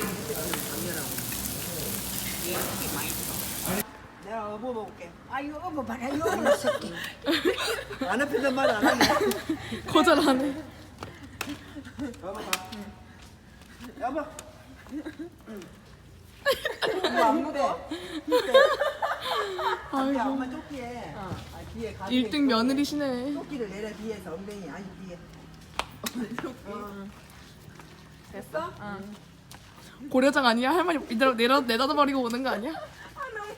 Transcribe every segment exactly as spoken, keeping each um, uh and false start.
내가 어버 먹을게. 아유 어머 봐라 요거 새끼. 안 앞에서 말 안 하네. 거절하네. 여보 봐. 여보. 엄마 안 묻어. 야, 엄마 조끼에. 아, 뒤에 가슴에 일 등 며느리시네. 조끼를 내려 뒤에서 엉덩이 아니 뒤에. 어. 됐어? 응. 고려장 아니야? 할머니 이대로 내려 내다 버리고 오는 거 아니야? 아 너무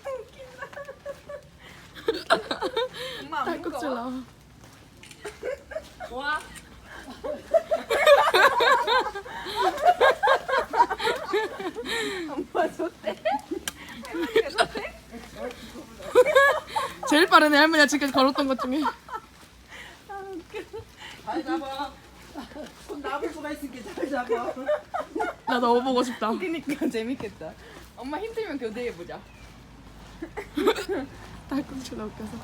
웃긴다. 엄마 안 딸꾹질 무거워? 나와. 좋아. 엄마 좋대. 할머니가 좋대. 제일 빠르네 할머니가 지금까지 걸었던 것 중에. 잘 잡아. 손 나볼 수가 있으니까 잘 잡아. 나 넣어보고 싶다. 그러니까 재밌겠다. 엄마 힘들면 교대해 보자. 딸꾹질 나 웃겨서.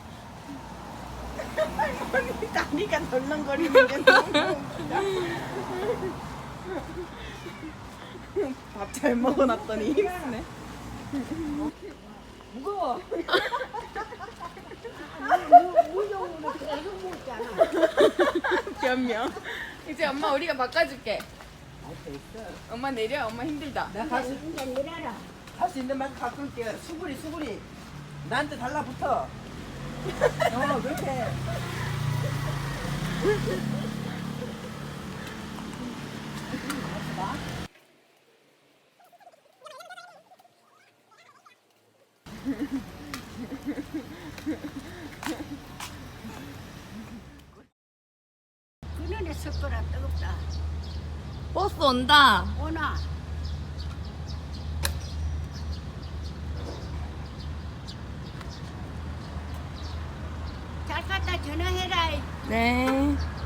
할머니 다리가 덜렁거리는 게 너무 웃기다. 밥 잘 먹어놨더니 힘쓰네. 무거워. 무용으로 계속 먹잖아. 변명. 이제 엄마 우리가 바꿔줄게. 엄마 내려. 엄마 힘들다. 내가 갈 수, 이제 내려라. 할 수 있는 만큼 바꿀게. 수구리 수구리. 나한테 달라붙어. 어 그렇게. 그년에 섞어라 뜨겁다. 버스 온다. 오나. 잘 갔다 전화해라. 네.